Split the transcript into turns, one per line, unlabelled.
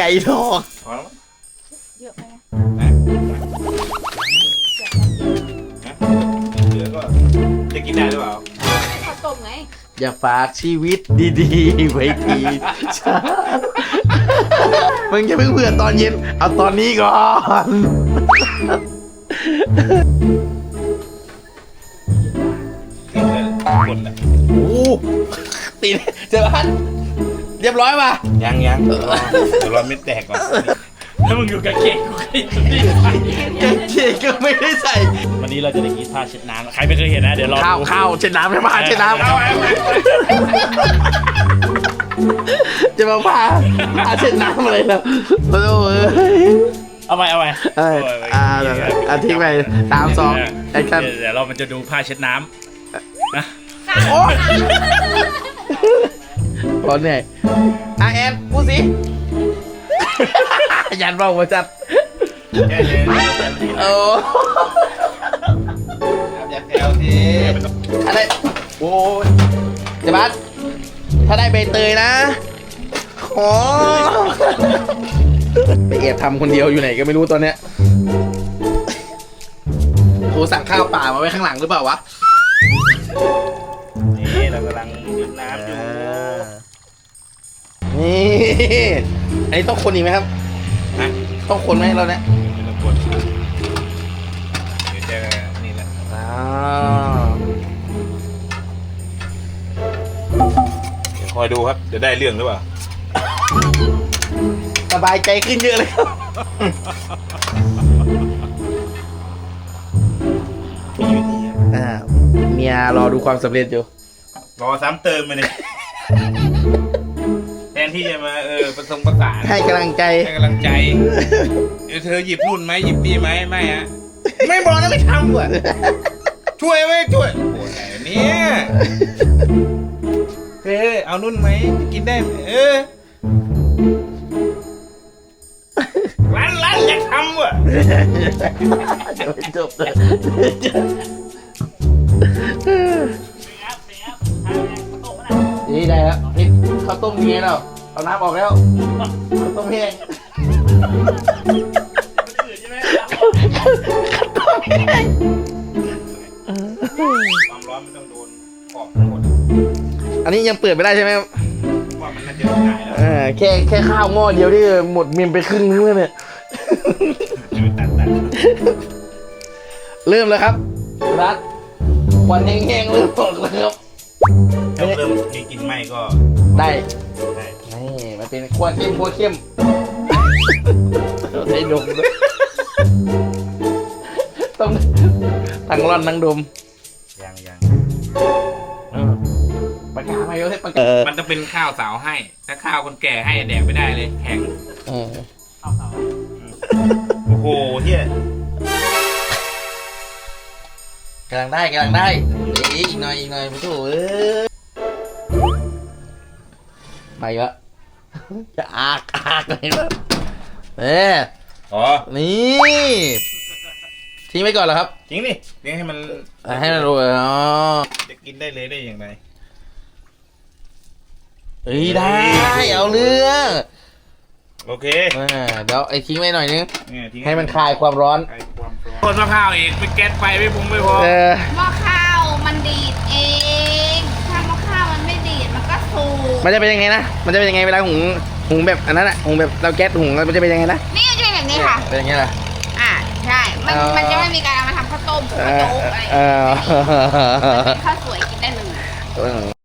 ก่ทอง
พอแล้ว
เยอะไปไหม
นะเหลือก็จะกินได้หรือเปล่า
ข้าวต้มไง
อย่าฝากชีวิตดีๆไว้ทีฉันมึงจะเพิ่งเผื่อตอนเย็นเอาตอนนี้ก่อน
คนละ
โอ้ตีนเจอพันเรียบร้อยป่ะ
ยังเดี๋ยวเราไม่แตกก่อน
ถ้ามึงอยู่กับเก่งกูก็อยู่ที่ใส่
เจ๊ก็ไม่ได้ใส่
วันนี้เราจะได้กินผ้าเช็ดน้ำใครไม่เคยเห็นนะเดี๋ยวรอ
ข้าวเช็ดน้ำไม่มาเช็ดน้ำจะมาพาเช็ดน้ำอะไรแล้วโอ้ย
เอาไป
ทิ้งไปตามซองไอ้กัน
เดี๋ยวเรามันจะดูผ้าเช็ดน้ำนะ
โอ้พอเหนื่อยแอนพูดสิยันเบามาจัดโอ้
อย่าแซวที
อะไรโอ้ยเจ๊บัสถ้าได้ใบเตยนะขอไปแอบทำคนเดียวอยู่ไหนก็ไม่รู้ตอนเนี้ยโหสั่งข้าวเปล่ามาไว้ข้างหลังหรือเปล่าวะ
นี่เรากำลังดื่มน้ำอยู่
นี่อันนี้ต้องคนอีกไหมครับ
นะ
ต้องคนไหมเราเนี่ย
ไม่ต้องกดเดี๋ยวจะนี่แหละเดี๋ยวคอยดูครับจะได้เรื่องหรือเปล่า
สบายใจขึ้นเยอะเลยครับเมียรอดูความสำเร็จอยู่
รอซ้ำเติมมาเนี่ยแทนที่จะมาประสงประสาน
ให้กำลังใจ
ให้กำลังใจเธอหยิบนู่นไหมหยิบนี่ไหมไม่ฮะไม่บอกนะไม่ทำว่ะช่วยไหมช่วยโอ้ยเนี่ยเอานู่นไหมกินได้ไหมร้านอยากทำว่ะ
จบเลยนี่ได้แล้วนี่ข้าวต้มเงี้ยแล้วเอาน้ำออกแล้วข้าวต้มแห้ง
ความร้อนไม่ต้องโดนขอบทั้งหมด
อันนี้ยังเปิดไม่ได้ใช่ไหมครับ
ว่ามันน่าจะได้แล้ว
แค่ข้าวหม้อเดียวที่หมดเมมไปครึ่งนึงแล้วเนี่ย
ตัด
เริ่มแล้วครับรัดควันแห้งๆเริ่มตกแล้วครับ
ถ้าเริ่มมีกลิ่นไหม้ก็
ได้
ได้
นี่มันเป็นควันเข้มได้ดมด้วยต้องทั้งร่อนทั้งดม
ยัง
ปากกาไม่เอาให้ปากกา
มันจะเป็นข้าวสาวให้ ถ้าข้าวคนแก่ให้แดกไม่ได้เลยแข็งโอ้โหเฮีย
กำลังได้อีกหน่อยไม่ถูกไปละจะอากเลยนะ
อ๋อ
นี่ทิ้งไว้ก่อนเหรอครับ
จริงดิเลี้ยงให้มัน
ให้มันรู้อ๋อ
จะกินได้เลยได้อย่างไร
ได้เอาเรื่อง
โอเค
เดี๋ยวไอ้ทิ้งไว้หน่อยนึง
เนี่ยทิ้ง
ให้มันคลายความร้อน
คลายความร้อนคนมะพร้าวอีกไปแก๊สไฟไม่พุงไม่พอ
หม้อข้าวมันดีดเองถ้าหม้อข้าวมันไม่ดีดมันก็สูบ
มันจะเป็นยังไงนะมันจะเป็นยังไงเวลาหุงแบบอันนั้นอะหุงแบบเราแก๊สหุงมันจะเป็นยังไงนะ
นี่จะเป็นแบบนี้ค่ะ
เป็นอย่างนี้เหรอ
ใช่มันจะไม่มีการเอามาทำข้าวต้มข้าวโจ๊กอะไรอย่างเงี้ยเป็นข้าวสวยกินได้เลย